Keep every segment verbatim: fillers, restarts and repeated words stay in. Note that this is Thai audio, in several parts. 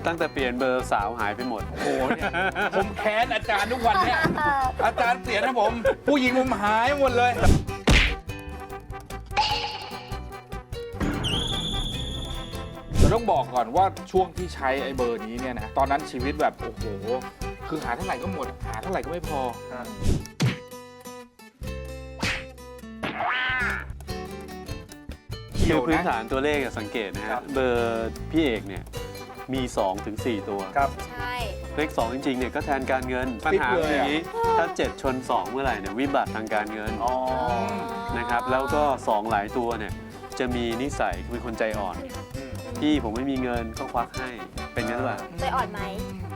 ตั้งแต่เปลี่ยนเบอร์สาวหายไปหมดโอ้โหเนี่ยผมแค้นอาจารย์ทุกวันเนี่ยอาจารย์เปลี่ยนนะผมผู้หญิงผมหายหมดเลยเราต้องบอกก่อนว่าช่วงที่ใช้ไอ้เบอร์นี้เนี่ยนะตอนนั้นชีวิตแบบโอ้โหคือหาเท่าไหร่ก็หมดหาเท่าไหร่ก็ไม่พอคือพื้นฐานตัวเลขสังเกตนะฮะเบอร์พี่เอกเนี่ยมี สองถึงสี่ ตัวครับใช่เลขสองจริงๆเนี่ยก็แทนการเงินปัญหาอย่างนี้ถ้าเจ็ดชนสองเมื่อไหร่เนี่ยวิบัติทางการเงินนะครับแล้วก็สองหลายตัวเนี่ยจะมีนิสัยเป็นคนใจอ่อนที่ผมไม่มีเงินก็ควักให้เป็นงั้นหรือเปล่าใจอ่อนไหม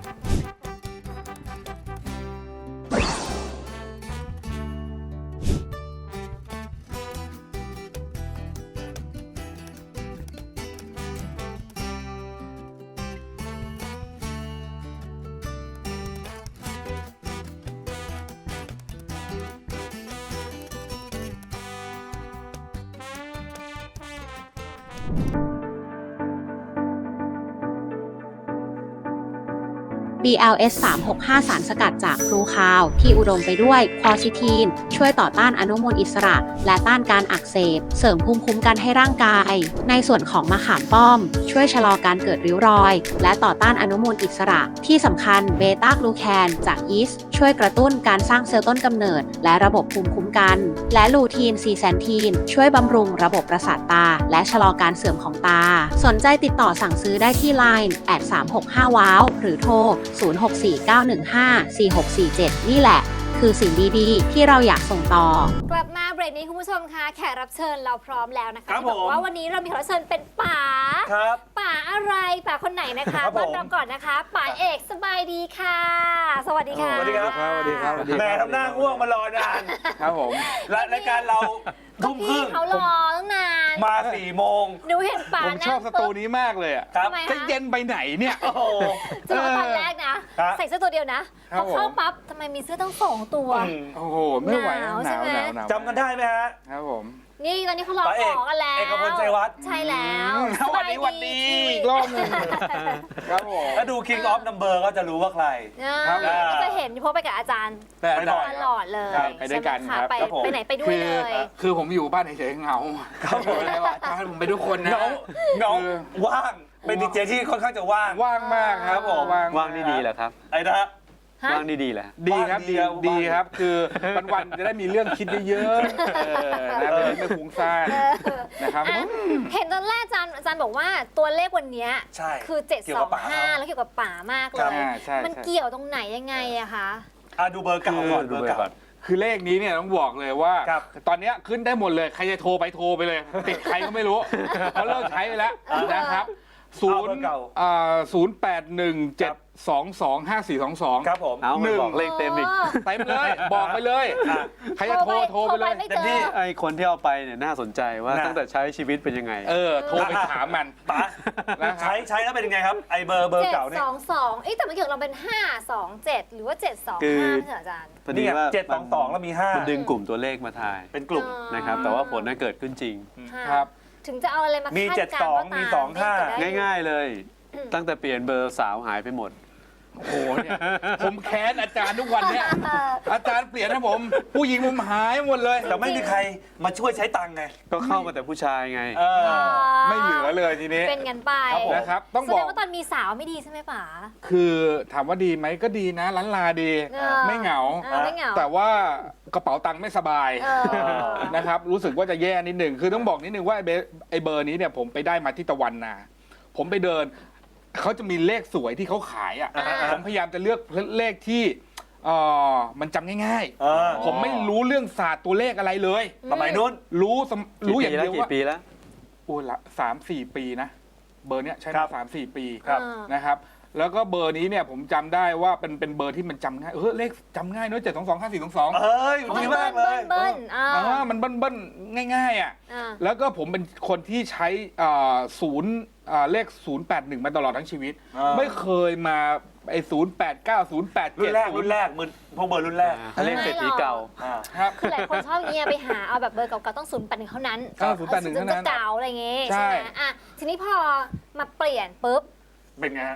บี แอล เอส สาม หก ห้า สารสกัดจากพลูคาวที่อุดมไปด้วยควอซิทีนช่วยต่อต้านอนุมูลอิสระและต้านการอักเสบเสริมภูมิคุ้มกันให้ร่างกายในส่วนของมะขามป้อมช่วยชะลอการเกิดริ้วรอยและต่อต้านอนุมูลอิสระที่สำคัญเบต้ากลูแคนจากยีสต์ช่วยกระตุ้นการสร้างเซลล์ต้นกำเนิดและระบบภูมิคุ้มกันและลูทีนซีแซนทีนช่วยบำรุงระบบประสาทตาและชะลอการเสื่อมของตาสนใจติดต่อสั่งซื้อได้ที่ ไลน์ แอท สามหกห้า ว้าว หรือโทรศูนย์ หก สี่ เก้า หนึ่ง ห้า สี่ หก สี่ เจ็ด นี่แหละคือสิ่งดีๆที่เราอยากส่งต่อกลับมาเบรกนี้คุณผู้ชมคะแขกรับเชิญเราพร้อมแล้วนะคะที่บอกว่าวันนี้เรามีแขกรับเชิญเป็นป๋าป๋าอะไรป๋าคนไหนนะคะต้อนรับก่อนนะคะป๋าเอกสบายดีค่ะสวัสดีค่ะสวัสดีครับสวัสดีครับแม่ทำหน้าง่วงมารอนานครับผมและรายการเราทุ่มครึ่งเขารอตั้งนานมาสี่โมงหนูเห็นป๋าผมชอบสตูนี้มากเลยอ่ะจะเย็นไปไหนเนี่ยโอ้โหจะมาตอนแรกนะใส่เสื้อตัวเดียวนะพอเข้าปั๊บทำไมมีเสื้อตั้งสองตัวโอ้โหไม่ไหวหนาวหนาวหนาวจำกันได้ไหมฮะครับผมนี่ตอนนี้เขารอของกันแล้วเอกพลชัยวัฒน์ใช่แล้วสวัสดีวันดีอีกรอบนึงครับผมถ้าดู King of Number ก็จะรู้ว่าใครก็จะเห็นเพราะไปกับอาจารย์ตลอดเลยไปด้วยกันครับไปไหนไปด้วยเลยคือผมอยู่บ้านเฉยๆเหงาครับผมเลยว่าอาจารย์ผมไปทุกคนนะเหงาว่างเป็นดีเจที่ค่อนข้างจะว่างว่างมากครับผมว่างดีๆแหละครับไอ้นะว่างดีๆแหละดีครับดีดีครับคือวันๆจะได้มีเรื่องคิดเยอะๆนะไม่ฟุ้งซ่านนะครับเห็นตอนแรกอาจารย์อาจารย์บอกว่าตัวเลขวันนี้คือเจ็ดสองห้าแล้วเกี่ยวกับป่ามากเลยมันเกี่ยวตรงไหนยังไงอะคะดูเบอร์เก่าก่อนดูเบอร์เก่าคือเลขนี้เนี่ยต้องบอกเลยว่าตอนนี้ขึ้นได้หมดเลยใครจะโทรไปโทรไปเลยติดใครก็ไม่รู้เขาเลิกใช้ไปแล้วนะครับศูนย์ศูนย์แปดหนึ่งเจ็ดสองสองห้าสี่สองสองครับผมเอาหนึ่งบอกเลขเต็มอีกเต็มเลยบอกไปเลยใครจะโทรโทรไปเลยเต็มที่ไอคนที่เอาไปเนี่ยน่าสนใจว่าตั้งแต่ใช้ชีวิตเป็นยังไงเออโทรไปถามมันป๋าใช้ใช้แล้วเป็นยังไงครับไอเบอร์เบอร์เก่าเนี่ยเจ็ดสองสองเอ๊ะแต่เมื่อกี้เราเป็นห้าสองเจ็ดหรือว่าเจ็ดสองห้าใช่อาจารย์พอดีว่าเจ็ดสองสองแล้วมีห้ามันดึงกลุ่มตัวเลขมาทายเป็นกลุ่มนะครับแต่ว่าผลนั้นเกิดขึ้นจริงครับถึงจะเอาอะไรมามีเจ็ดสองมีสองห้าง่ายๆเลยตั้งแต่เปลี่ยนเบอร์สาวหายไปหมดโอ้โหเนี่ยผมแค้นอาจารย์ทุกวันเนี่ยอาจารย์เปลี่ยนนะผมผู้หญิงผมหายหมดเลยแต่ไม่มีใครมาช่วยใช้ตังค์ไงก็เข้ามาแต่ผู้ชายไงไม่เหลือเลยทีนี้เป็นกันไปนะครับต้องบอกว่าตอนมีสาวไม่ดีใช่ไหมป๋าคือถามว่าดีไหมก็ดีนะล้านลาดีไม่เหงาแต่ว่ากระเป๋าตังค์ไม่สบายนะครับรู้สึกว่าจะแย่นิดหนึ่งคือต้องบอกนิดนึงว่าไอ้เบอร์นี้เนี่ยผมไปได้มาที่ตะวันนาผมไปเดินเขาจะมีเลขสวยที่เขาขายอ่ะผมพยายามจะเลือกเลขที่มันจำง่ายๆผมไม่รู้เรื่องศาสตร์ตัวเลขอะไรเลยสมัยนู้นรู้รู้อย่างเดียวว่ากี่ปีแล้วโอ้ละสามสี่ปีนะเบอร์เนี้ยใช้มาสามสี่ปีนะครับแล้วก็เบอร์นี้เนี่ยผมจำได้ว่าเป็นเป็นเบอร์ที่มันจำง่ายเออเลขจำง่ายเนอะเจ็ดสองสองห้าสี่สองสองเอ้ยดีมากเลยเบิ้ลอ่ามันเบิ้ลเบิ้ลง่ายๆอ่ะแล้วก็ผมเป็นคนที่ใช้ศูนย์เลขศูนย์แปดหนึ่งมาตลอดทั้งชีวิตไม่เคยมาไอ้ศูนย์แปดเก้าศูนย์แปดเจ็ดรุ่นแรกรุ่นแรกมือพวกเบอร์รุ่นแรกเลขเศรษฐีเก่าครับคือหลายคนชอบเงี้ยไปหาเอาแบบเบอร์เก่าๆต้องศูนย์แปดหนึ่งเท่านั้นศูนย์แปดหนึ่งเท่านั้นเก่าอะไรเงี้ยใช่ไหมอ่ะทีนี้พอมาเปลี่ยนปุ๊บเป็นไงฮะ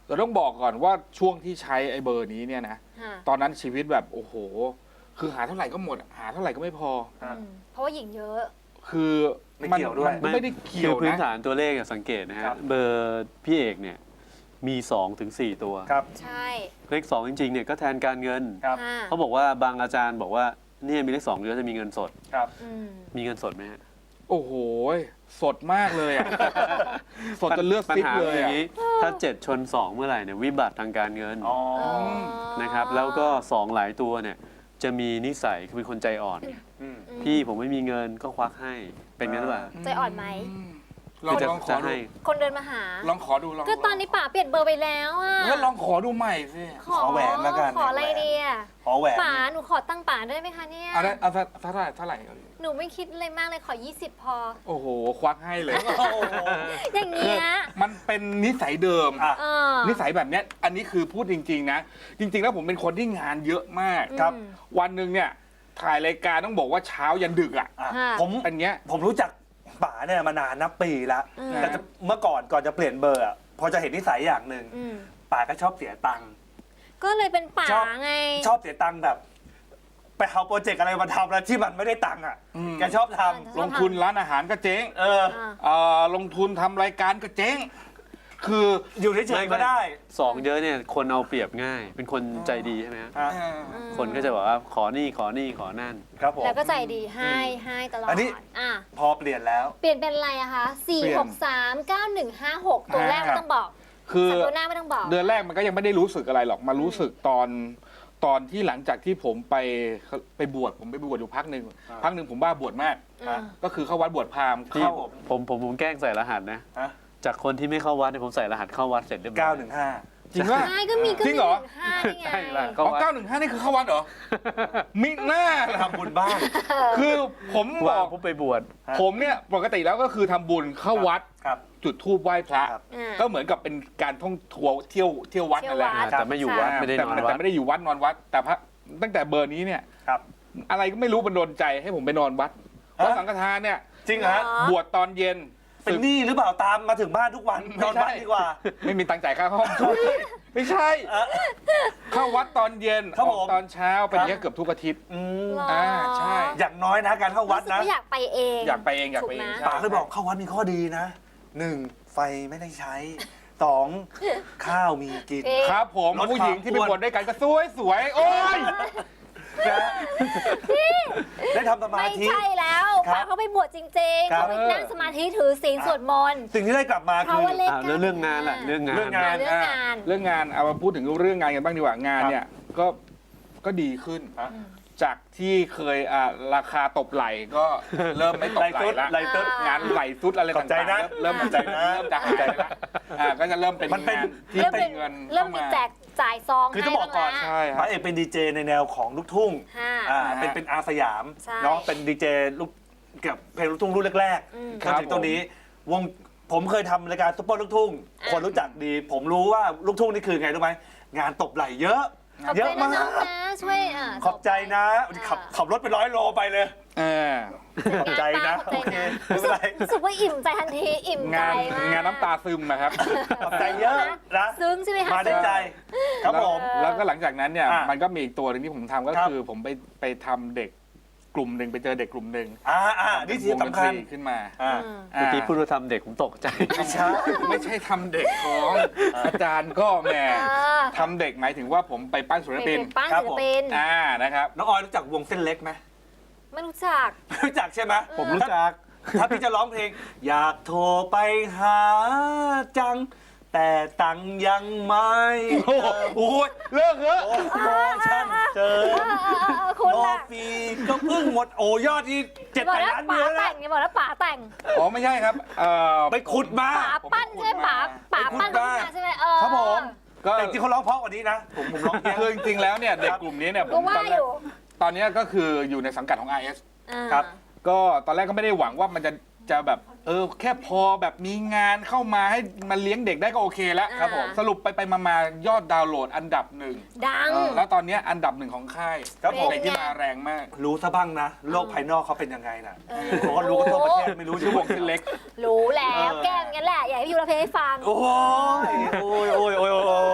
เราต้องบอกก่อนว่าช่วงที่ใช้ไอ้เบอร์นี้เนี่ยนะค่ะตอนนั้นชีวิตแบบโอ้โห คือหาเท่าไหร่ก็หมดอะหาเท่าไหร่ก็ไม่พออืมเพราะว่าหญิงเยอะคือไม่เกี่ยวด้วยมันไม่ได้เกี่ยวคือพื้นนะฐานตัวเลขอะสังเกตนะฮะครับเบอร์พี่เอกเนี่ยมีสองถึงสี่ตัวครับใช่เลขสองจริงๆเนี่ยก็แทนการเงินครับค่ะเขาบอกว่าบางอาจารย์บอกว่าเนี่ยมีเลขสองเยอะจะมีเงินสดครับอืมมีเงินสดไหมฮะโอ้โห สดมากเลยอ่ะ สดจนเลือดปัญซิบหาเลยออ่ะย่างนี้ ถ้าเจ็ดชนสองเมื่อไหร่เนี่ยวิบัติทางการเงินอ๋อนะครับแล้วก็สองหลายตัวเนี่ยจะมีนิสัยคือเป็นคนใจอ่อนอืมพี่ผมไม่มีเงินก็ควักให้เป็นงั้นหรือเปล่าใจอ่อนไหมลองคือจะลองขจะอดูให้คนเดินมาหาลองขอดูลองก็ตอนนี้ป๋าเปลี่ยนเบอร์ไปแล้วอ่ะงั้นลองขอดูใหม่สิขอแหวนแล้วกันขออะไรดีอ่ะขอแหวนป๋าหนูขอตั้งป๋าได้ไหมคะเนี่ยเอาได้เอาสักเท่าไหร่เท่าไหร่เอาดิหนูไม่คิดอะไรมากเลยขอ ยี่สิบ พอโอ้โห ควักให้เลยโอ้โหอย่างเงี้ยมันเป็นนิสัยเดิมอ่ะเออนิสัยแบบเนี้ยอันนี้คือพูดจริง ๆ นะ จริง ๆ แล้วผมเป็นคนที่งานเยอะมากครับอืมวันหนึ่งเนี่ยถ่ายรายการต้องบอกว่าเช้ายันดึกอ่ะอ่ะค่ะผมอันเนี้ยผมรู้จักป๋าเนี่ยมานานนับปีแล้วอืมแต่จะเมื่อก่อนก่อนจะเปลี่ยนเบอร์อะพอจะเห็นนิสัยอย่างหนึ่งอืมป๋าก็ชอบเสียตังค์ก็เลยเป็นป๋าชอบไงชอบเสียตังค์แบบ ไปเอาโปรเจกต์อะไรมาทำแล้วที่มันไม่ได้ตังค์อ่ะอืมแกชอบทชอบลงทุนร้านอาหารก็เจ๊งำเอออ่าเอ่อลงทุนทำรายการก็เจ๊ง คืออยู่เฉยๆก็ได้สองเยอะเนี่ยคนเอาเปรียบง่าย เป็นคนใจดีใช่ไหมฮะฮะคนก็จะบอกว่าขอนี่ขอนี่ขอนั่นครับผมแล้วก็ใจดีให้ให้ตลอดอันนี้อ่ะพอเปลี่ยนแล้วเปลี่ยนเป็นอะไรอะคะ สี่เปลี่ยหนกสาม เก้าหนึ่งห้าหก ตัวแรกครัไม่บต้องบอกคือแต่ตัวหน้าไม่ต้องบอกเดือนแรกมันก็ยังไม่ได้รู้สึกอะไรหรอก มารู้สึกตอนตอนที่หลังจากที่ผมไปไปบวชผมไปบวชอยู่พักหนึ่งอ่าพักหนึ่งผมบ้าบวชมากอ่าก็คือเข้าวัดบวชพราหมณ์ที่ครับผมผมผมผมแกล้งใส่รหัสนะฮะจากคนที่ไม่เข้าวัดเนี่ยผมใส่รหัสเข้าวัดเสร็จเรียบร้อยเก้าหนึ่งห้าจริงว่าใช่ก็มีก็จริมีงเหรอนึ่ห้านี่ไงใช่ละอ๋อเก้าหนึ่งห้านี่คือเข้าวัดเหรอ มิหน้าล่ะทำบุญบ้างคือผมบว่าอกผมไปบวชฮะผมเนี่ยปกติแล้วก็คือทำบุญเข้าวัดครับจุดธูปไหว้พระครับอ่าก็เหมือนกับเป็นการท่องทัวร์เที่ยวเที่ยววัดนั่นแหละเที่ยววัดแต่ไม่อยู่วัดไม่ได้แต่นอนแต่วัดไม่ได้อยู่วัดนอนวัด แต่พระตั้งแต่เบอร์นี้เนี่ยครับอะไรก็ไม่รู้บันดลใจให้ผมไปนอนวัดเพราะสังฆทานเนี่ยจริงเหรอฮะบวชตอนเย็นเป็นหนี้หรือเปล่าตามมาถึงบ้านทุกวันนอนบ้านดีกว่าไม่มีตังค์จ่ายค่าห้อง ไม่ใช่เออเข้าวัดตอนเย็นครับออกผมตอนเช้าเป็นอย่างเงี้ยเกือบทุกอาทิตย์อืมหรออ่าใช่อย่างน้อยนะการเข้าวัดรู้สึกนะว่าอยากไปเองอยากไปเองอยากไปเองถูกไหมใช่ป๋าเคยบอกเข้าวัดมีข้อดีนะหนึ่งไฟไม่ได้ใช้สองข้าวมีกินเอ๊ะครับผมลดผู้หญิงที่ไปความอ้วนบวชด้วยกันก็สวยสวยๆโอ้ยนะได้ทำสมาไม่ธิใช่แล้วครับป๋าเขาไปบวชจริงๆครับเขาไปนั่งสมาธิถือศีลสวดมนต์สิ่งที่ได้กลับมาเพราะคือว่าเลขอ่ะแล้วเรื่องงานล่ะเรื่องงานเรื่องงานเรื่องงานเรื่องงานเอามาพูดถึงเรื่องงานกันบ้างดีกว่างานเนี่ยก็ก็ดีขึ้นฮะจากที่เคยอ่าราคาตบไหลก็เริ่มไม่ตบไหลไหลตุ๊ดละไหลตุ๊ดงานไหลสุดอะไรขอบใจต่างนะๆเริ่มเริ่มขอบใจนะเริ่มจะหายไปละอ่าก็จะเริ่มเป็นมันเป็นงานที่เริ่มเป็เป็น นเงินเริ่มเข้ามีมาแจกจ่ายซองคือให้ต้องบอกก่อนบ้างใช่แล้วครัป๋าบเอกเป็นดีเจในแนวของลูกทุ่งค่ะอ่าอ่าเป็นเป็นอาสยามใช่เนาะเป็นดีเจลูกเกี่ยวกับเพลงลูกทุ่งรุ่นแรกอืมๆจนถึงตัวนี้วงผมเคยทำรายการซุปเปอร์ลูกทุ่งอ่ะคนรู้จักดี ผมรู้ว่าลูกทุ่งนี่คือไงรู้ไหมงานตบไหลเยอะขอบเยใจอะนะมากน้องนะช่วยอ่าขอบใจนะขับขับรถไปร้อยโลไปเลยเออขอบใจนะขอบใจนะโอเคไม่เป็นไรรู้สึกว่าอิ่มใจทันทีอิ่มใจงานมากงานน้ำตาซึมนะครับขอบใจเยอะนะซึ้งใช่ไหมคะมาด้วยใจ ครับผมแล้วแล้วก็หลังจากนั้นเนี่ยอ่ะมันก็มีอีกตัวหนึงที่ผมทำก็ครับคือผมไปไปทำเด็กกลุ่มหนึ่งไปเจอเด็กกลุ่มหนึ่งอ่าอ่านี่ที่สำคัญวงดนตรีขึ้นมาอ่าอืมเมื่อกี้พูดว่าทำเด็กผมตกใจไม่ใช่ไม่ใช่ทำเด็กของอาจารย์ก็แหมอ่าทำเด็กหมายถึงว่าผมไปปั้นศิลไปปินเป็นป้านครับศิลผมปินอ่านะครับน้องออยรู้จักวงเส้นเล็กไหมไม่รู้จักรู้จักใช่ไหมผมรู้จักถ้าพี่จะร้องเพลง อยากโทรไปหาจัง แต่ตังค์ยังไม่โอ้โหโอ้ยเลิกเถอะโอ้โมชั่นเจอเออเออเออคุณโอล่ะฟีก็เพิ่งหมดโอยอดที่เจ็ดบอกแปดแล้วล้านป๋าวิวแล้แต่วงไงบอกแล้วป๋าแต่งอ๋อไม่ใช่ครับเอ่อไปขุดมาป๋าปั้นใช่ไหมป๋าป๋าปั้นขึ้นมาใช่ไหมเออครับผมก็แต่จริงๆเขาร้องเพราะกว่านี้นะ ผมผมร้องเพี้ยนคือจริงๆแล้วเนี่ยเด็กกลุ่มนี้เนี่ยผก็มว่าตอนแรอก ยู่ตอนเนี้ยก็คืออยู่ในสังกัดของ อาร์ เอสอ่าครับก็ตอนแรกก็ไม่ได้หวังว่ามันจะจะแบบเออแค่พอแบบมีงานเข้ามาให้มันเลี้ยงเด็กได้ก็โอเคแล้วครับผมสรุปไปไปมามายอดดาวน์โหลดอันดับหนึ่งดังเออแล้วตอนเนี้ยอันดับหนึ่งของค่ายครับผมเพลงที่มาแรงมากรู้ซะบ้างนะ โลกภายนอกเขาเป็นยังไงน่ะเขาก็รู้กันทั่วประเทศไม่รู้ชื่ชื่ออววงงเส้นเล็กรู้แล้วเออแกล้งกันแหละ อยากให้พี่ยูราเพลงให้ฟังโอ้ยโอ้ยโอ้ยโอ้ยโอ้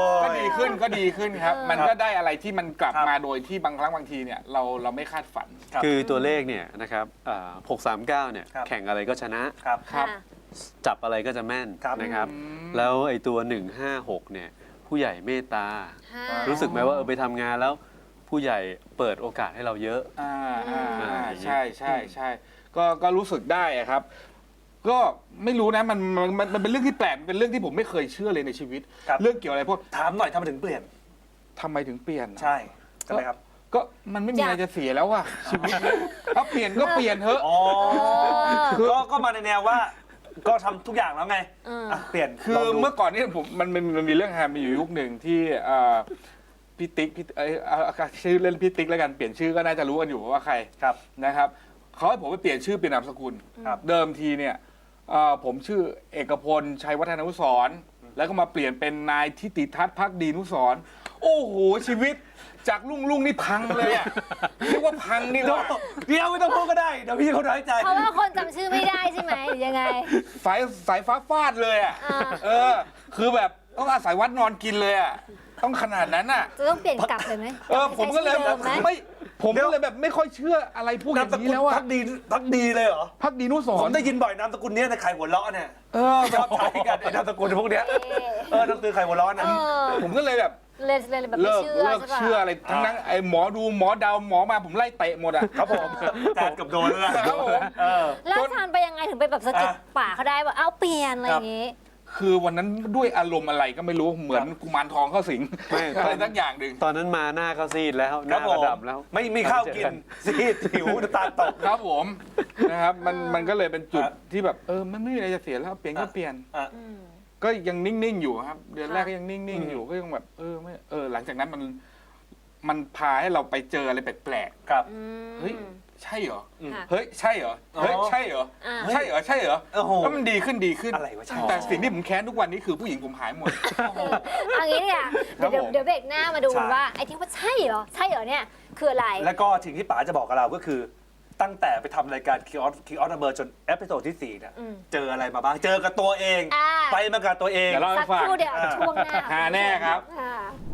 ก็ดีขึ้นครับเออมันก็ได้อะไรที่มันกลับครับมาโดยที่บางครั้งบางทีเนี่ยเราเราไม่คาดฝันครับคือตัวเลขเนี่ยนะครับอ่าหกสามเก้าเนี่ยครับแข่งอะไรก็ชนะครับครับค่ะจับอะไรก็จะแม่นครับนะครับอืมแล้วไอ้ตัวหนึ่งห้าหกเนี่ยผู้ใหญ่เมตตาค่ะรู้สึกไหมว่าเออไปทำงานแล้วผู้ใหญ่เปิดโอกาสให้เราเยอะอ่าอ่าอ่าอ่าใช่ใช่ใช่ก็ก็รู้สึกได้อะครับ ก็ไม่รู้นะมันมันมันมันเป็นเรื่องที่แปลกมันเป็นเรื่องที่ผมไม่เคยเชื่อเลยในชีวิตครับเรื่องเกี่ยวอะไรพวกถามหน่อยทำไมถึงเปลี่ยนทำไมถึงเปลี่ยนใช่ใช่ไหมครับก็มันไม่มีอะไรจะเสียแล้วอะชีวิตเนี่ยถ้าเปลี่ยนก็เปลี่ยนเถอะอ๋อคือก็ก็มาในแนวว่า ก็ทำทุกอย่างแล้วไงเอออ่ะเปลี่ยนคือลงดูเมื่อก่อนนี่ผมมันมันมันมีเรื่องฮามีอยู่ยุคหนึ่งที่เอ่อพี่ติ๊กพี่เอ้ยเอาเอาชื่อเล่นพี่ติ๊กแล้วกันเปลี่ยนชื่อก็น่าจะรู้กันอยู่ว่าใครครับนะครับเขาให้ผมไปเปลี่ยนชื่อเปลี่ยนนามสกุลครับเดิมทีเนี่ยเอ่อผมชื่อเอกพลชัยวัฒนานุสรณ์แล้วก็มาเปลี่ยนเป็นนายทิติทัศน์พักดีนุสรณ์โอ้โหชีวิตจากลุ่งลุ่งนี่พังเลยอ่ะเรียกว่าพังนี่เดี๋ยวว่าเดี๋ยวไม่ต้องพูดก็ได้ เดี๋ยวพี่เขาน้อยใจเพราะว่าคนจำชื่อไม่ได้ใช่ไหมหรือยังไงสายสายฟ้าฟาดเลยอ่ะอ่าเออ คือแบบต้องอาศัยวัดนอนกินเลยอ่ะต้องขนาดนั้นอ่ะจะต้องเปลี่ยนกลับเลยไหมเออผมก็เลยใช้ชื่อดิมไหมไม่ผมก็เลยแบบไม่ค่อยเชื่ออะไรพวกอนามย่างสกุนี้ลแล้วอ่ะพักดีพักดีเลยเหรอพักดีนุสผรมณ์ได้ยินบ่อยนามสกุลเนี้ยในไข่หัวเราะเนี่ยเออชอบใช้กันไอ้นามสกุลพวกเนี้ยเอ๊ะเออหนังสือไข่หัวเราะเอนะอผมก็เลยแบบเลยเลยแบบไม่เลิกเชื่อเลิกใช่ปะเชื่ออะไรทั้งนั้นไอ้หมอดูหมอเดาหมอมาผมไล่เตะหมดอ่ะครับผมแจกกับโดนแล้วนะครับผมเออแล้วอาจารย์ไปยังไงถึงไปแบบสะกิดอ่ะป่าเขาได้ว่าเอาเปลี่ยนอะไรอย่างงี้คือวันนั้นด้วยอารมณ์อะไรก็ไม่รู้เหมือนกุมารทองเข้าสิงไม่อะไรสักอย่างหนึ่งตอนนั้นมาหน้าก็ซีดแล้วหครัน้าบผกระมดับแล้วไม่มีข้าวกินซีดหิวน้ำตาลตกครับผมนะครับมันมันก็เลยเป็นจุดครับที่แบบเออมันไม่มีอะไรจะเสียแล้วเปลี่ยนก็เปลี่ยนอ่ะอืมก็ยังนิ่งๆอยู่ครับ เดือนค่ะแรกก็ยังนิ่งอืมๆอยู่ก็ยังแบบเออไม่เออหลังจากนั้นมันมันพาให้เราไปเจออะไรแปลกครับอืมๆเฮ้ยใช่เหรอค่ะเฮ้ยใช่เหรอเฮ้ยอ๋อใช่เหรออ่าใช่เหรอใช่เหรอโอ้โหก็มันดีขึ้นดีขึ้นอะไรวะใช่แต่สิ่งที่ผมแค้นทุกวันนี้คือผู้หญิงผมหายหมดเอางี้เนี่ยครัเดี๋ยบวผมเดี๋ยวเบรกหน้ามาดูใช่ว่าไอ้ที่ว่าใช่เหรอใช่เหรอเนี่ยคืออะไรแล้วก็สิ่งที่ป๋าจะบอกกับเราก็คือ ตั้งแต่ไปทำรายการคิออสคิออสเบอร์จนเอพิโซดที่สี่เนี่ยอืมเจออะไรมาบ้าง เจอกับตัวเองอ่าไปมากับตัวเองเดี๋ยวเราสักครู่เดียวอ่าช่วงหน้าหาแน่ครับอ่า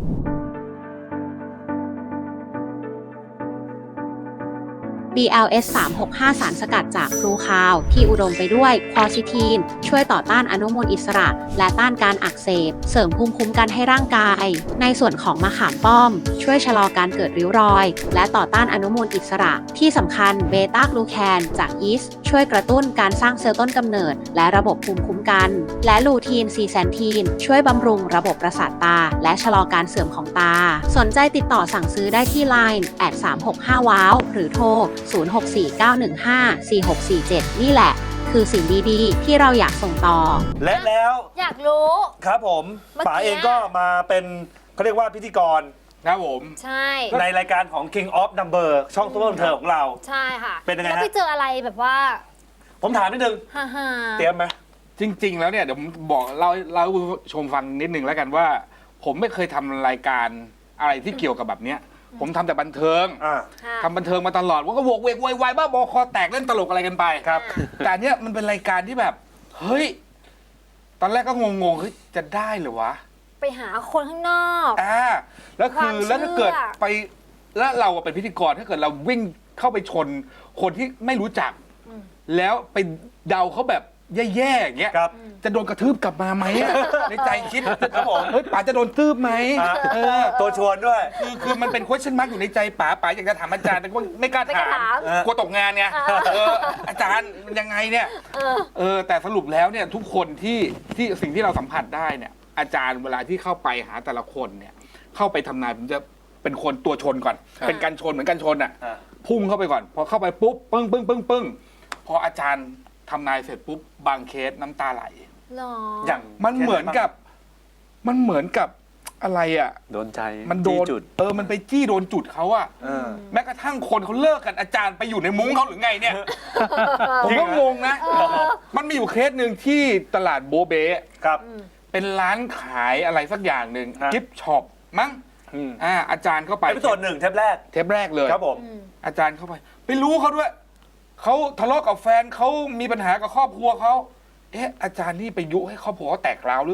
บี แอล เอส สามหกห้า สารสกัดจากพลูคาว ที่อุดมไปด้วยควอซิทีน ช่วยต่อต้านอนุมูลอิสระ และต้านการอักเสบ เสริมภูมิคุ้มกันให้ร่างกาย ในส่วนของมะขามป้อม ช่วยชะลอการเกิดริ้วรอย และต่อต้านอนุมูลอิสระ ที่สำคัญเบต้ากลูแคนจากยีสต์ช่วยกระตุ้นการสร้างเซลล์ต้นกำเนิด และระบบภูมิคุ้มกัน และลูทีนซีแซนทีน ช่วยบำรุงระบบประสาทตา และชะลอการเสื่อมของตา สนใจติดต่อสั่งซื้อได้ที่ ไลน์ แอท สามหกห้า ว้าว หรือโทร ศูนย์ หก สี่ เก้า หนึ่ง ห้า สี่ หก สี่ เจ็ด นี่แหละ คือสิ่งดีๆ ที่เราอยากส่งต่อและแล้วอยากรู้ครับผมเมื่อกี้ป๋าเองก็มาเป็นเขาเรียกว่าพิธีกรครับผมใช่ในรายการของ King of Number ช่องซุปเปอร์บันเทิงของเราใช่ค่ะเป็นยังไงฮะแล้วไปเจออะไรแบบว่าผมถามนิดนึงฮ่าฮ่าเตรียมไหมจริง ๆ แล้วเนี่ยเดี๋ยวผมบอกเล่าเล่าให้ผู้ชมฟังนิดนึงแล้วกันว่า ผมไม่เคยทำรายการอะไรที่เกี่ยวกับแบบเนี้ยผมทำแต่บันเทิงอ่าค่ะทำบันเทิงมาตลอดว่าก็โวกเวกโวยวายบ้าบอคอแตกเล่นตลกอะไรกันไปครับแต่อันเนี้ยมันเป็นรายการที่แบบ เฮ้ย ตอนแรกก็งงๆเฮ้ยจะได้เหรือวะไปหาคนข้างนอกอ่าแล้วคือความเชื่อแล้วถ้าเกิดไปแล้วเราเป็นพิธีกรถ้าเกิดเราวิ่งเข้าไปชนคนที่ไม่รู้จัก แล้วไปเดาเขาแบบแย่ๆอย่างเงี้ยครับจะโดนกระทืบกลับมาไหมอะในใจคิดครับผมเฮ้ยป๋าจะโดนทืบไหมอ่ะเออตัวชวนด้วยคือคือมันเป็น question mark อยู่ในใจป๋าป๋าอยากจะถามอาจารย์แต่ว่าไม่กล้าไม่กล้าถามถามกลัวตกงานไงเอออาจารย์มันยังไงเนี่ยเออเออแต่สรุปแล้วเนี่ยทุกคนที่ที่สิ่งที่เราสัมผัสได้เนี่ยอาจารย์เวลาที่เข้าไปหาแต่ละคนเนี่ยเข้าไปทำนายผมจะเป็นคนตัวชนก่อนอ่าเป็นการชนเหมือนกันชนอ่ะอ่าพุ่งเข้าไปก่อนพอเข้าไปปุ๊บปึ้งปึ้งปึ้งปึ้งพออาจารย์ทำนายเสร็จปุ๊บบางเคสน้ำตาไหลหรออย่างมันเหมือนกับมันเหมือนกับอะไรอ่ะโดนใจมันโดนจี้จุดเออมันไปจี้โดนจุดเขาอ่ะเออแม้กระทั่งคนเขาเลิกกันอาจารย์ไปอยู่ในมุ้งเขาหรือไงเนี่ย ผมจริงก็เหรองงนะ มันมีอยู่เคสหนึ่งที่ตลาดโบเบครับเป็นร้านขายอะไรสักอย่างหนึ่งฮะกิฟต์ช็อปมั้งอืมอ่าอาจารย์เข้าไปเอพิโซดหนึ่งเทปแรกเทปแรกเลยครับผมอืมอาจารย์เข้าไปไปรู้เขาด้วยเขาทะเลาะกับแฟนเขามีปัญหากับครอบครัวเขาเอ๊ะอาจารย์นี่ไปยุให้ครอบครัวเขาแตกร้าวหรือเปล่า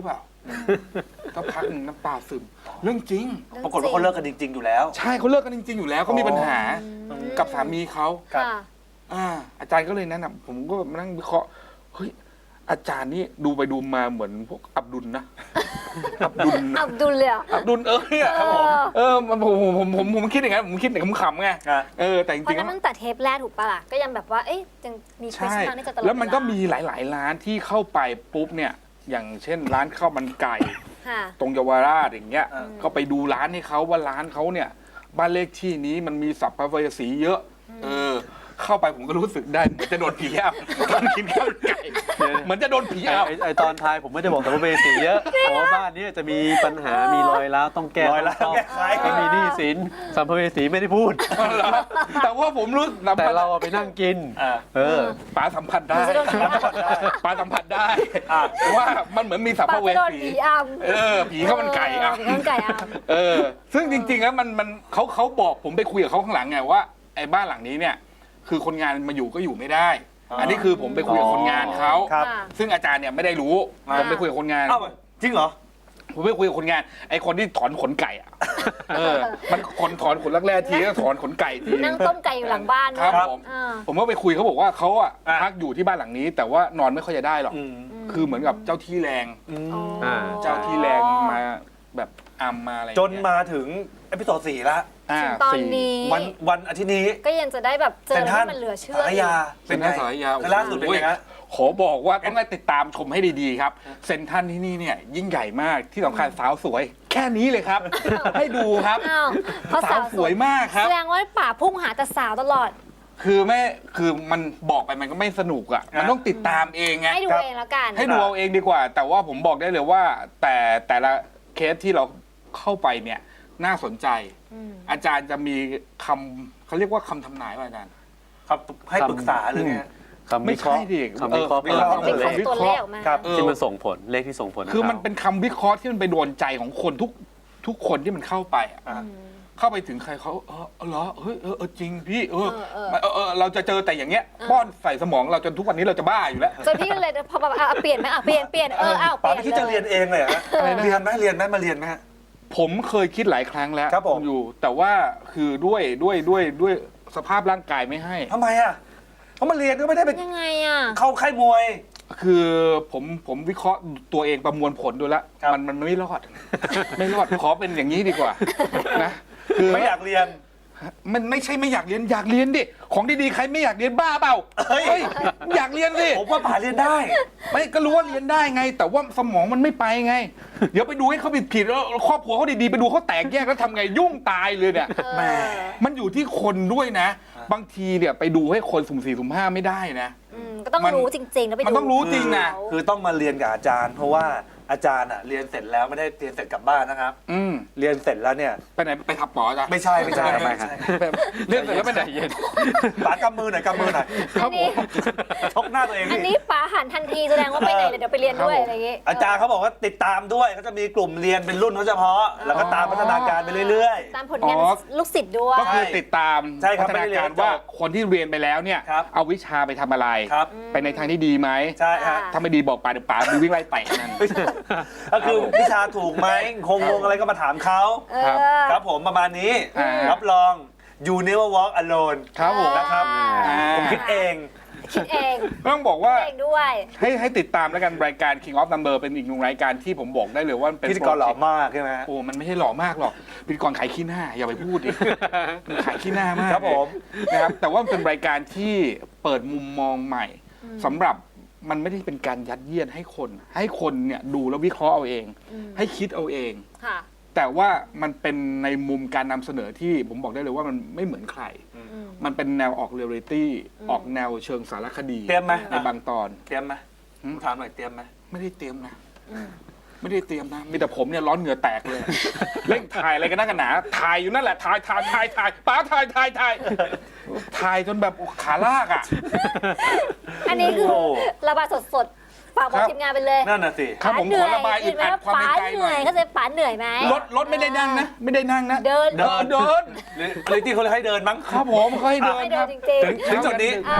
ก็พักหนึ่งน้ำตาซึมเรื่องจริงปรากฏว่าเขาเลิกกันจริง ๆ อยู่แล้วใช่เขาเลิกกันจริง ๆ อยู่แล้วเขามีปัญหากับสามีเขาครับค่ะอ่าอาจารย์ก็เลยแนะนำผมก็มานั่งวิเคราะห์เฮ้ยอาจารย์นี่ดูไปดูมาเหมือนพวกอับดุลนะ อับดุลนะอับดุลเลยเหรออับดุลเออเนี่ยเออเออมันผมผมผมผมผมคิดอย่างนั้นผมคิดอย่างขำๆไงอ่ะเออแต่จเพราะริงๆนั้นแล้วตั้งแต่เทปแรกถูกปะล่ะก็ยังแบบว่าเอ๊ะยังมีเคสใช่มาในใจตลอดแล้วมันก็เามีหลาย ๆ ร้านที่เข้าไปปุ๊บเนี่ย อย่างเช่นร้านข้าวมันไก่ค่ะตรงเยาวราชอย่างเงี้ยอืมก็ไปดูร้านให้เขาว่าร้านเขาเนี่ยบ้านเลขที่นี้มันมีสัพพเวสีเยอะ เออ เข้าไปผมก็รู้สึกได้เหมือนจะโดนผีอ้ำตอนกินข้าวมันไก่เหมือนจะโดนผีไอ้อ้ำไอ้ไอตอนทายผมไม่ได้บอกสัมภเวสีเยอะเพราะว่าบ้านเนี้จะมีปัญหามีรอยร้าวต้องแก้รอยร้าวต้องแก้ไขไม่มีหนี้สินสัมภเวสีไม่ได้พูดแต่ว่าผมรู้สัมแต่ผัสเราเอาไปนั่งกินอ่ะเออป๋าสัมผัสได้มันจะโดนผีอ้ำป๋าสัมผัสได้อ่ะว่ามันเหมือนมีสัพปาพกเวก็โดนสีผีอ้ำเออผีข้าวมันไก่อ่ะผีข้าวมันไก่อ้ำเออ ซึ่งจริงๆแล้วมันมันเขาเขาบอกผมไปคุยกับเขาข้างหลังไงว่าไอ้บ้านหลังนี้เนี่ย คือคนงานมาอยู่ก็อยู่ไม่ได้ อันนี้คือผมไปคุยกับคนงานเขาครับค่ะซึ่งอาจารย์เนี่ยไม่ได้รู้อ่าผมไปคุยกับคนงานเอ้าจริงเหรอผมไปคุยกับคนงาน ไอ้คนที่ถอนขนไก่อ่ะ เออ มันคนถอนขนแรกๆทีก็ถอนขนไก่ทีนั่งต้มไก่อยู่หลังบ้านครับด้วยผมอ่าผมก็ไปคุยเขาบอกว่าเขาอ่ะอ่ะพักอยู่ที่บ้านหลังนี้ แต่ว่านอนไม่ค่อยจะได้หรอกอืมคือเหมือนกับเจ้าที่แรงอ๋ออ่าเจ้าที่แรงมาแบบอัมมาอะไรอย่จงนเงี้ยมาถึงเอพิโซดสี่ละอ่าถึงตอนสี่นี้วันวันอาทิตย์นี้ก็ยังจะได้แบบเจอเซ็นอะไรทรัลที่มันเหลือเชื่อสารยาเซ็นทรัลสารยาคือล่าสุดเป็นไงฮะขอบอกว่าต้องได้ติดตามชมให้ดีๆครับ เซ็นทรัลที่นี่เนี่ยยิ่งใหญ่มากที่สำคัญสาวสวย แค่นี้เลยครับ ให้ดูครับอ้าวเพราะสาสาว วสวยมากครับแสดงว่าป่าพุ่งหาแต่สาวตลอดคือแม่คือมันบอกไปมันก็ไม่สนุกอ่ะมันต้องติดตามเองไงให้ดูครับเองแล้วกันให้ดูเอาเองดีกว่า แต่ว่าผมบอกได้เลยว่า แต่แต่ละเคสที่เราเข้าไปเนี่ยน่าสนใจอืมอาจารย์จะมีคำเขาเรียกว่าคำทำนายว่าอาจารย์ครับให้ปรึกษาหรือไงฮะคำวิเคราะห์ไม่ใช่ดิคำวิเคราะห์เออเพิ่มเป็นเติมของตัวเลขออกมาครับเออที่มันส่งผลเลขที่ส่งผลคือมันเป็นคำวิเคราะห์ที่มันไปโดนใจของคนทุกทุกคนที่มันเข้าไปอะอ่ะเข้าไปถึงใครเขาเออเออเหรอเฮ้ยเออเออจริงพี่เออเออเออเออเออเราจะเจอแต่อย่างเงี้ยเออป้อนใส่สมองเราจนทุกวันนี้เราจะบ้าอยู่แล้วจนพี่เลยพอแบบอ่ะเปลี่ยนไหมอ่ะเปลี่ยนเปลี่ยนเอออ้าวเปป๋าลี่ยนไม่คิดจะเรียนเองเลยเหรอฮะอะไรนะเรียนไหมเรียนไหมมาเรียนไหมฮะผมเคยคิดหลายครั้งแล้วครับผมอยู่ แต่ว่าคือด้วยด้วยด้วยด้วยสภาพร่างกายไม่ให้ทำไมอ่ะเขามาเรียนก็ไม่ได้ไปยังไงอ่ะเข้าค่ายมวยคือผมผมวิเคราะห์ตัวเองประมวลผลดูแล้วครับมันมันไม่รอด ไม่รอดขอเป็นอย่างนี้ดีกว่านะคือไม่อยากเรียนมันไม่ใช่ไม่อยากเรียนอยากเรียนดิของดีๆใครไม่อยากเรียนบ้าเปล่าเฮ้ยเฮ้ยอยากเรียนสิผมว่าป๋าเรียนได้ไม่ก็รู้ว่าเรียนได้ไง แต่ว่าสมองมันไม่ไปไง เดี๋ยวไปดูให้เขาผิดผิดๆแล้วครอบครัวเขาดีๆไปดูเขาแตกแยกแล้วทำไงยุ่งตายเลยเนี่ยแหมมันอยู่ที่คนด้วยนะ บางทีเนี่ยไปดูให้คนสุ่มสี่สุ่มห้าไม่ได้นะอืมก็ต้องมันรู้จริงๆแล้วไปดูมันต้องรู้จริงนะคือต้องมาเรียนกับอาจารย์ เพราะว่าอาจารย์อ่ะเรียนเสร็จแล้วไม่ได้เรียนเสร็จกลับบ้านนะครับอืมเรียนเสร็จแล้วเนี่ยไปไหนไปทับหมอจ้ะไม่ใช่ไม่ใช่ทำไมไม่ครับใช่เรื่องเสร็จแล้วไปไหนเย็นป๋ากำมือหน่อยกำมือหน่อยครับผมชกหน้าตัวเองอันดินี้ป๋าหันทันทีแสดงว่าไปไหนเดี๋ยวไปเรียนด้วยอะไรอย่างงี้อาจารย์เขาบอกว่าติดตามด้วยเขาจะมีกลุ่มเรียนเป็นรุ่นเขาเฉพาะ แล้วก็ตามพัฒนาการไปเรื่อยตามผลงานอ๋อลูกศิษย์ด้วยก็คือติดตามใช่ครับพัฒนาไม่ได้เรียการนว่าจบคนที่เรียนไปแล้วเนี่ยครับเอาวิชาไปทำอะไรๆ ครับไปในทางที่ดีไหมใช่ฮะถ้าไม่ดีบอกป่าเดี๋ยวป่าดูวิ่งไล่เตะนั่นก็คือวิชาถูกไหมคงงงอะไรก็มาถามเขาเอครับอครับผมประมาณนี้อ่ารับรอง you never walk alone ครับผมนะครับอ่าผมคิดเองคิดเองต้องบอกว่าเองด้วยให้ให้ติดตามแล้วกันรายการ King of Number เป็นอีกหนึ่งรายการที่ผมบอกได้เลยว่ามันเป็นพิธีกรหล่อมากใช่ไหมฮะโอ้มันไม่ใช่หล่อมากหรอกพิธีกรขายขี้หน้าอย่าไปพูดดิมันขายขี้หน้ามากครับผมนะครับแต่ว่ามันเป็นรายการที่เปิดมุมมองใหม่สำหรับมันไม่ได้เป็นการยัดเยียดให้คน ให้คนเนี่ยดูแล้ววิเคราะห์เอาเองอืมให้คิดเอาเองค่ะแต่ว่ามันเป็นในมุมการนำเสนอที่ผมบอกได้เลยว่ามันไม่เหมือนใครอืมมันเป็นแนวออกเรียลลิตี้อืมออกแนวเชิงสารคดีเตรียมไหมในบางตอนเตรียมไหมหืมถามหน่อยเตรียมไหมไม่ได้เตรียมนะอืมไม่ได้เตรียมนะ มีแต่ผมเนี่ยร้อนเหงื่อแตกเลย เร่งถ่ายอะไรกันนักกันหนา ถ่ายอยู่นั่นแหละ ถ่ายถ่ายถ่ายถ่ายป้าถ่ายถ่ายถ่ายถ่ายจนแบบขาลากอ่ะอันนี้คือโอ้ระบายสดๆฝากบอกครับทีมงานไปเลยนั่นน่ะสิครับผมป๋าเหนื่ขอระบายอึดอัดความในใจป๋าเหหน่นื่ออย ยเขาจะป๋าเหนื่อยไหมรถรถไม่ได้นั่งนะ ไม่ได้นั่งนะเดินเดินเดินหรือหรือที่เขาเลยให้เดินมั้งครับผมเขาให้เดินให้คเดิรันบจริงถึงถึงจุดนี้ๆอ่า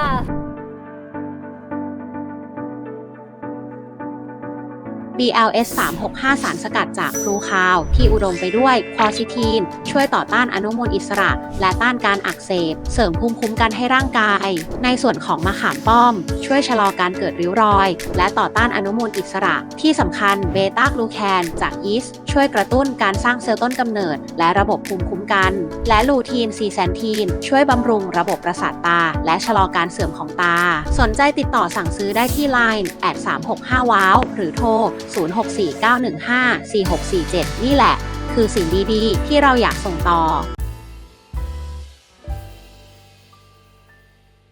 บี แอล เอส สาม หก ห้า สารสกัดจากพลูคาวที่อุดมไปด้วยควอซิทีนช่วยต่อต้านอนุมูลอิสระ และต้านการอักเสบเสริมภูมิคุ้มกันให้ร่างกาย ในส่วนของมะขามป้อม ช่วยชะลอการเกิดริ้วรอย และต่อต้านอนุมูลอิสระที่สำคัญเบต้ากลูแคนจากยีสต์ช่วยกระตุ้นการสร้างเซลล์ต้นกำเนิด และระบบภูมิคุ้มกัน และลูทีนซีแซนทีนช่วยบำรุงระบบประสาทตา และชะลอการเสื่อมของตา สนใจติดต่อสั่งซื้อได้ที่ ไลน์ แอท สามหกห้า ว้าว หรือโทร ศูนย์ หก สี่ เก้า หนึ่ง ห้า สี่ หก สี่ เจ็ด นี่แหละ คือสิ่งดีๆ ที่เราอยากส่งต่อ